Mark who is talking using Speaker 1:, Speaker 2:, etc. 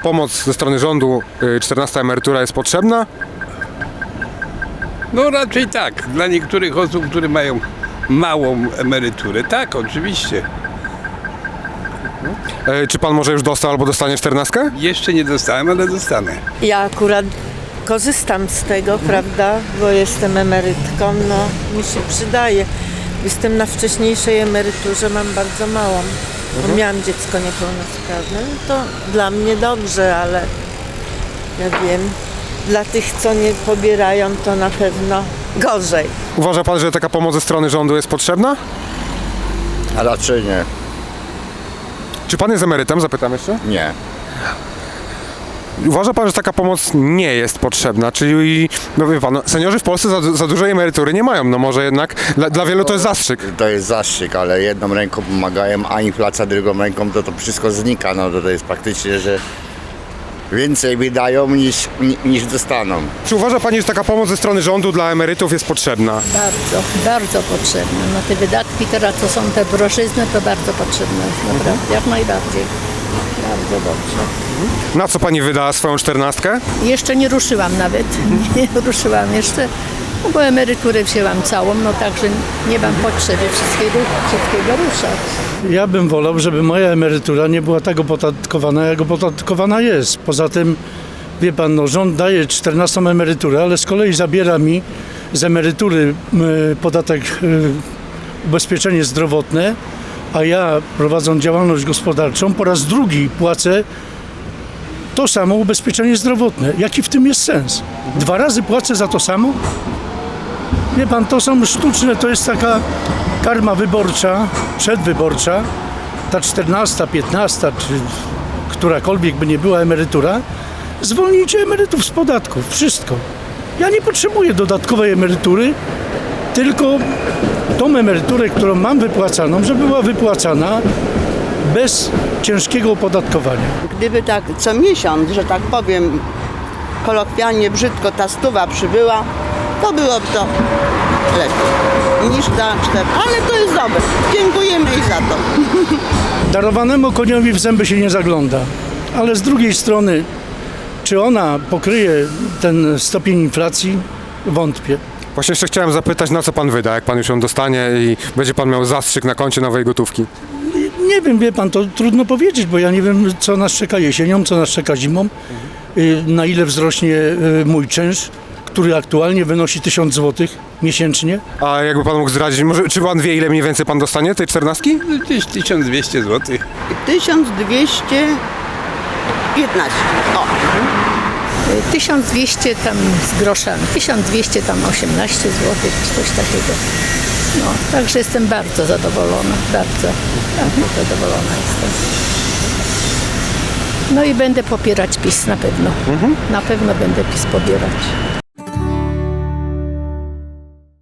Speaker 1: Pomoc ze strony rządu, 14 emerytura jest potrzebna?
Speaker 2: No raczej tak. Dla niektórych osób, które mają małą emeryturę. Tak, oczywiście.
Speaker 1: Czy pan może już dostał albo dostanie 14?
Speaker 2: Jeszcze nie dostałem, ale dostanę.
Speaker 3: Ja akurat korzystam z tego, prawda, bo jestem emerytką, no mi się przydaje. Jestem na wcześniejszej emeryturze, mam bardzo małą. Bo miałam dziecko niepełnosprawne, no to dla mnie dobrze, ale ja wiem, dla tych, co nie pobierają, to na pewno gorzej.
Speaker 1: Uważa pan, że taka pomoc ze strony rządu jest potrzebna?
Speaker 4: A raczej nie.
Speaker 1: Czy pan jest emerytem? Zapytam jeszcze.
Speaker 4: Nie.
Speaker 1: Uważa pan, że taka pomoc nie jest potrzebna? Czyli, no wie pan, seniorzy w Polsce za dużej emerytury nie mają. No może jednak dla wielu to jest zastrzyk.
Speaker 4: To jest zastrzyk, ale jedną ręką pomagają, a inflacja drugą ręką, to wszystko znika. No to jest praktycznie, że więcej wydają niż dostaną.
Speaker 1: Czy uważa pani, że taka pomoc ze strony rządu dla emerytów jest potrzebna?
Speaker 5: Bardzo, bardzo potrzebne. No te wydatki teraz, co są te drożyzny, to bardzo potrzebne jest, naprawdę, jak najbardziej. Bardzo dobrze.
Speaker 1: Na co pani wydała swoją 14?
Speaker 5: Jeszcze nie ruszyłam nawet, nie ruszyłam jeszcze, no bo emeryturę wzięłam całą, no także nie mam potrzeby wszystkiego ruszać.
Speaker 6: Ja bym wolał, żeby moja emerytura nie była tak opodatkowana, jak opodatkowana jest. Poza tym, wie pan, no, rząd daje 14 emeryturę, ale z kolei zabiera mi z emerytury podatek ubezpieczenie zdrowotne, a ja, prowadząc działalność gospodarczą, po raz drugi płacę to samo ubezpieczenie zdrowotne. Jaki w tym jest sens? 2 razy płacę za to samo? Wie pan, to są sztuczne, to jest taka karma wyborcza, przedwyborcza, ta 14, 15, czy którakolwiek by nie była emerytura, zwolnijcie emerytów z podatków, wszystko. Ja nie potrzebuję dodatkowej emerytury, tylko tą emeryturę, którą mam wypłacaną, żeby była wypłacana bez ciężkiego opodatkowania.
Speaker 7: Gdyby tak co miesiąc, że tak powiem, kolokwialnie brzydko ta stuwa przybyła, to byłoby to lepiej niż ta 4. Ale to jest dobre. Dziękujemy jej za to.
Speaker 6: Darowanemu koniowi w zęby się nie zagląda, ale z drugiej strony, czy ona pokryje ten stopień inflacji? Wątpię.
Speaker 1: Właśnie jeszcze chciałem zapytać, na co pan wyda, jak pan już ją dostanie i będzie pan miał zastrzyk na koncie nowej gotówki.
Speaker 6: Nie wiem, wie pan, to trudno powiedzieć, bo ja nie wiem, co nas czeka jesienią, co nas czeka zimą, na ile wzrośnie mój czynsz, który aktualnie wynosi 1000 zł miesięcznie.
Speaker 1: A jakby pan mógł zdradzić, może, czy pan wie, ile mniej więcej pan dostanie tej 14?
Speaker 2: Gdzieś 1200 zł.
Speaker 7: 1215. O.
Speaker 5: 1200 tam z groszami, 1200 tam 18 zł, czy coś takiego. No, także jestem bardzo zadowolona, bardzo zadowolona jestem. No i będę popierać PiS na pewno. Na pewno będę PiS popierać.